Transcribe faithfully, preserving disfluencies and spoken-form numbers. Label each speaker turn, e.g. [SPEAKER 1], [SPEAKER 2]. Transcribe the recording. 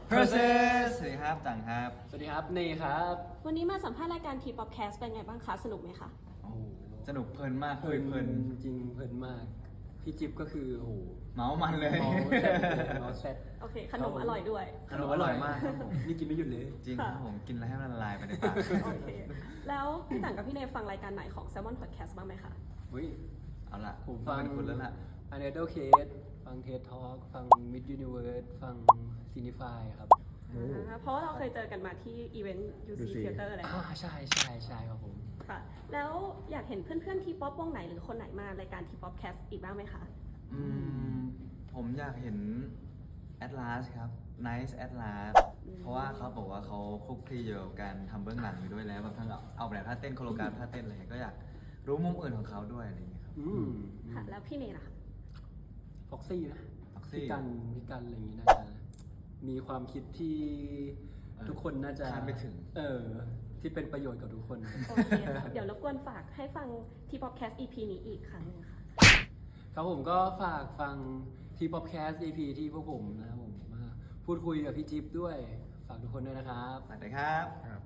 [SPEAKER 1] Process สวัสดีครับจังครับ
[SPEAKER 2] สวัสดีครับเนครับ
[SPEAKER 3] วันนี้มาสัมภาษณ์รายการทีป๊อปแคสเป็นไงบ้างคะ สนุกไหมคะ
[SPEAKER 1] โอ้โหสนุกเพลินมาก
[SPEAKER 2] เพ
[SPEAKER 1] คุ
[SPEAKER 2] ลิ
[SPEAKER 1] ย
[SPEAKER 2] น
[SPEAKER 1] เพลิน
[SPEAKER 2] จริงเพลินมาก พี่จิ๊บก็คือโอ้โห
[SPEAKER 1] เมามันเลย
[SPEAKER 2] เมาแซ่บเมาแซ่บ
[SPEAKER 3] โอเค ขนมอร่อยด้วย
[SPEAKER 2] ขนมอร่อยมากครับผมนี่กินไม่หยุดเลย
[SPEAKER 1] จริงครับผมกินแล้วให้มันละลายไปในปาก
[SPEAKER 3] โอเค แล้วพี่จังกับพี่เนยฟังรายการไหนของ Salmon Podcast บ้างไหมคะ
[SPEAKER 2] เฮ้ย
[SPEAKER 1] เอาล่ะ
[SPEAKER 2] ผม
[SPEAKER 1] ต้อ
[SPEAKER 2] ฟัง
[SPEAKER 1] เป็นคุณแล้วล่ะ
[SPEAKER 2] อันเดอร์เคสฟังเทสทอล์กฟังมิดยูนิเวิร์สฟังซีนิฟายครับ
[SPEAKER 3] อ่าเพราะว่าเราเคยเจอกันมาที่อีเวนต์ ยู ซี Theater แล้ว
[SPEAKER 2] อ่าใช่ใช่ใช่ครับผม
[SPEAKER 3] ค่ะ แล้วอยากเห็นเพื่อนๆทีป๊อปวงไหนหรือคนไหนมารายการทีป๊อปแคสอีกบ้างไหมคะ
[SPEAKER 1] อืมผมอยากเห็น Atlas ครับ Nice Atlas เพราะว่าเขาบอกว่าเขาคลุกคลีอยู่กับการทำเบื้องหลังอยู่ด้วยแล้วแบบทั้งเอาแบบท่าเต้นโคโรกราฟท่าเต้นอะไรก็อยากรู้มุมอื่นของเขาด้วยอะไรอย่างเงี้ยครับ
[SPEAKER 2] อืม
[SPEAKER 3] ค่ะ แล้วพี่เนยล่ะคะ
[SPEAKER 2] ฟ็อกซี่นะ
[SPEAKER 1] Foxy
[SPEAKER 2] พี่กันพี่กันอะไรอย่างงี้น่าจะมีความคิดที่
[SPEAKER 1] เออ
[SPEAKER 2] ทุกคนน่าจะ
[SPEAKER 1] คาดไม่ถึง
[SPEAKER 2] เออที่เป็นประโยชน์กับทุกคน
[SPEAKER 3] โอเคค่ะเดี๋ยวรบกวนฝากให้ฟังทีป๊อปแคส อี พี นี้อีกครั้งหนึงค่ะ
[SPEAKER 2] ครับผมก็ฝากฟังที่ป๊อปแคสต์ อี พี ที่พวกผมนะครับผมมาพูดคุยกับพี่จิ๊บด้วย ฝากทุกคนด้วยนะครับ
[SPEAKER 1] สวัสดีครับ